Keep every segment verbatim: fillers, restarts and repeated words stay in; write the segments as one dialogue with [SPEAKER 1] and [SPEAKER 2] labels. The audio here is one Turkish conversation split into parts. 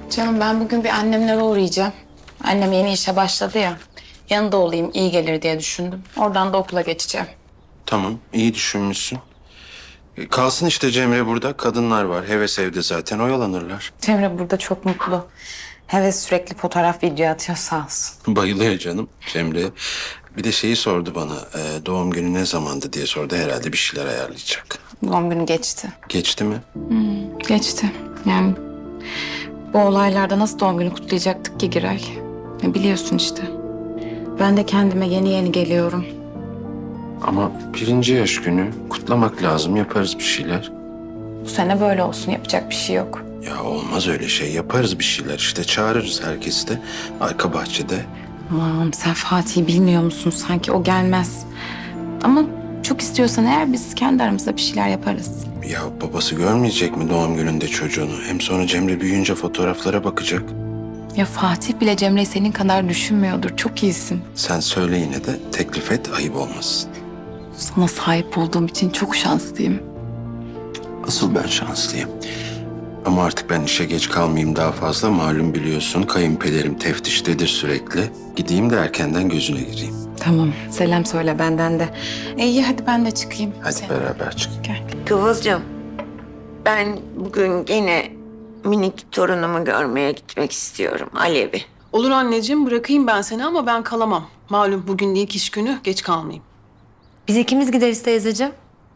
[SPEAKER 1] Canım ben bugün bir annemlere uğrayacağım. Annem yeni işe başladı ya. Yanında olayım iyi gelir diye düşündüm. Oradan da okula geçeceğim.
[SPEAKER 2] Tamam, iyi düşünmüşsün. E, Kalsın işte Cemre burada. Kadınlar var. Heves evde zaten. Oyalanırlar.
[SPEAKER 1] Cemre burada çok mutlu. Heves sürekli fotoğraf video atıyor sağ olsun.
[SPEAKER 2] Bayılıyor canım Cemre. Bir de şeyi sordu bana. e, doğum günü ne zamandı diye sordu. Herhalde bir şeyler ayarlayacak.
[SPEAKER 1] Doğum günü geçti.
[SPEAKER 2] Geçti mi?
[SPEAKER 1] Geçti. Yani bu olaylarda nasıl doğum günü kutlayacaktık ki Giray? Ya biliyorsun işte. Ben de kendime yeni yeni geliyorum.
[SPEAKER 2] Ama birinci yaş günü kutlamak lazım. Yaparız bir şeyler.
[SPEAKER 1] Bu sene böyle olsun yapacak bir şey yok.
[SPEAKER 2] Ya olmaz öyle şey. Yaparız bir şeyler işte. Çağırırız herkesi de. Arka bahçede.
[SPEAKER 1] Aman sen Fatih'i bilmiyor musun? Sanki o gelmez. Ama çok istiyorsan eğer biz kendi aramızda bir şeyler yaparız.
[SPEAKER 2] Ya babası görmeyecek mi doğum gününde çocuğunu? Hem sonra Cemre büyüyünce fotoğraflara bakacak.
[SPEAKER 1] Ya Fatih bile Cemre'yi senin kadar düşünmüyordur. Çok iyisin.
[SPEAKER 2] Sen söyle yine de teklif et, ayıp olmasın.
[SPEAKER 1] Sana sahip olduğum için çok şanslıyım.
[SPEAKER 2] Asıl ben şanslıyım. Ama artık ben işe geç kalmayayım daha fazla. Malum biliyorsun kayınpederim teftiştedir sürekli. Gideyim de erkenden gözüne gireyim.
[SPEAKER 1] Tamam. Selam söyle benden de. E, iyi hadi ben de çıkayım.
[SPEAKER 2] Hadi
[SPEAKER 1] Sen-
[SPEAKER 2] beraber çık.
[SPEAKER 1] Gel.
[SPEAKER 3] Kıvılcım, ben bugün gene minik torunumu görmeye gitmek istiyorum, Alev'i.
[SPEAKER 4] Olur anneciğim, bırakayım ben seni ama ben kalamam. Malum bugün ilk iş günü, geç kalmayayım.
[SPEAKER 5] Biz ikimiz gideriz teyzeciğim.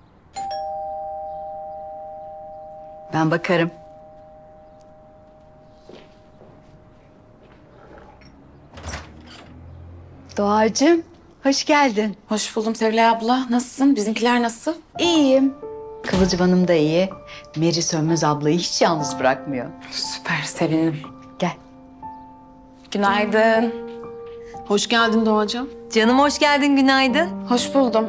[SPEAKER 5] Ben bakarım. Doğacığım, hoş geldin.
[SPEAKER 1] Hoş buldum Sevilay abla. Nasılsın? Bizimkiler nasıl?
[SPEAKER 5] İyiyim. Kıvılcım Hanım da iyi. Meri Sönmez ablayı hiç yalnız bırakmıyor.
[SPEAKER 1] Süper sevindim.
[SPEAKER 5] Gel.
[SPEAKER 1] Günaydın.
[SPEAKER 4] Hoş geldin Doğacığım.
[SPEAKER 5] Canım hoş geldin, günaydın.
[SPEAKER 1] Hoş buldum.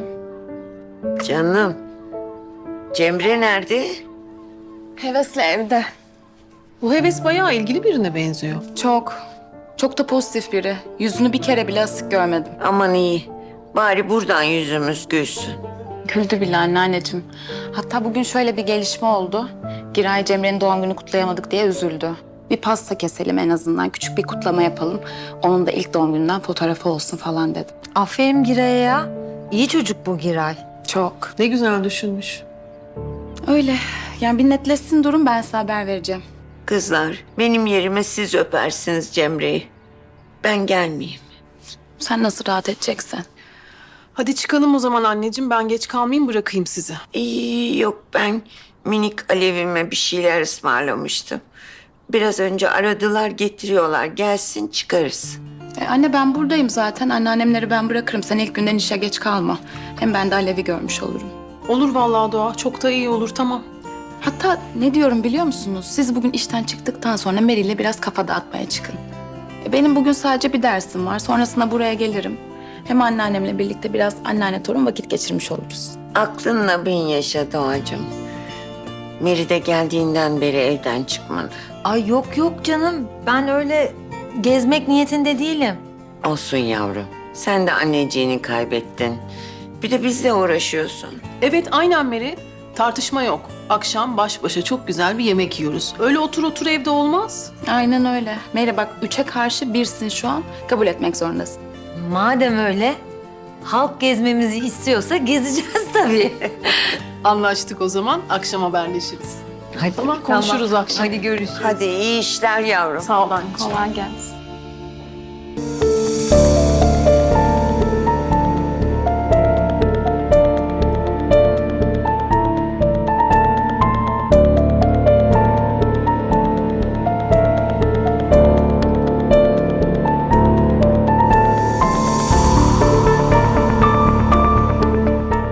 [SPEAKER 3] Canım, Cemre nerede?
[SPEAKER 1] Hevesle evde.
[SPEAKER 4] Bu heves bayağı ilgili birine benziyor.
[SPEAKER 1] Çok. Çok da pozitif biri. Yüzünü bir kere bile asık görmedim.
[SPEAKER 3] Aman iyi, bari buradan yüzümüz gülsün.
[SPEAKER 1] Güldü bile anneanneciğim. Hatta bugün şöyle bir gelişme oldu. Giray Cemre'nin doğum günü kutlayamadık diye üzüldü. Bir pasta keselim en azından. Küçük bir kutlama yapalım. Onun da ilk doğum gününden fotoğrafı olsun falan dedi.
[SPEAKER 5] Aferin Giray'a ya. İyi çocuk bu Giray.
[SPEAKER 1] Çok.
[SPEAKER 4] Ne güzel düşünmüş.
[SPEAKER 1] Öyle. Yani bir netleşsin durum ben size haber vereceğim.
[SPEAKER 3] Kızlar, benim yerime siz öpersiniz Cemre'yi. Ben gelmeyeyim.
[SPEAKER 1] Sen nasıl rahat edeceksin?
[SPEAKER 4] Hadi çıkalım o zaman anneciğim, ben geç kalmayayım, bırakayım sizi.
[SPEAKER 3] İyi, yok ben minik Alev'ime bir şeyler ısmarlamıştım. Biraz önce aradılar, getiriyorlar. Gelsin çıkarız.
[SPEAKER 1] E, anne ben buradayım zaten. Anneannemleri ben bırakırım. Sen ilk günden işe geç kalma. Hem ben de Alev'i görmüş olurum.
[SPEAKER 4] Olur vallahi Doğa, çok da iyi olur, tamam.
[SPEAKER 1] Hatta ne diyorum biliyor musunuz? Siz bugün işten çıktıktan sonra Meri ile biraz kafa dağıtmaya çıkın. E, benim bugün sadece bir dersim var. Sonrasında buraya gelirim. Hem anneannemle birlikte biraz anneanne torun vakit geçirmiş oluruz.
[SPEAKER 3] Aklınla bin yaşa Doğacığım. Meri de geldiğinden beri evden çıkmadı.
[SPEAKER 5] Ay yok yok canım. Ben öyle gezmek niyetinde değilim.
[SPEAKER 3] Olsun yavrum. Sen de anneciğini kaybettin. Bir de bizle uğraşıyorsun.
[SPEAKER 4] Evet, aynen Meri. Tartışma yok. Akşam baş başa çok güzel bir yemek yiyoruz. Öyle otur otur evde olmaz.
[SPEAKER 1] Aynen öyle. Meri bak üçe karşı birsin şu an. Kabul etmek zorundasın.
[SPEAKER 5] Madem öyle, halk gezmemizi istiyorsa gezeceğiz tabii.
[SPEAKER 4] Anlaştık o zaman, akşam haberleşiriz.
[SPEAKER 5] Hadi
[SPEAKER 4] Tamam, konuşuruz akşam.
[SPEAKER 5] Hadi görüşürüz.
[SPEAKER 3] Hadi iyi işler yavrum.
[SPEAKER 4] Sağ ol anneciğim.
[SPEAKER 1] Kolay gelsin.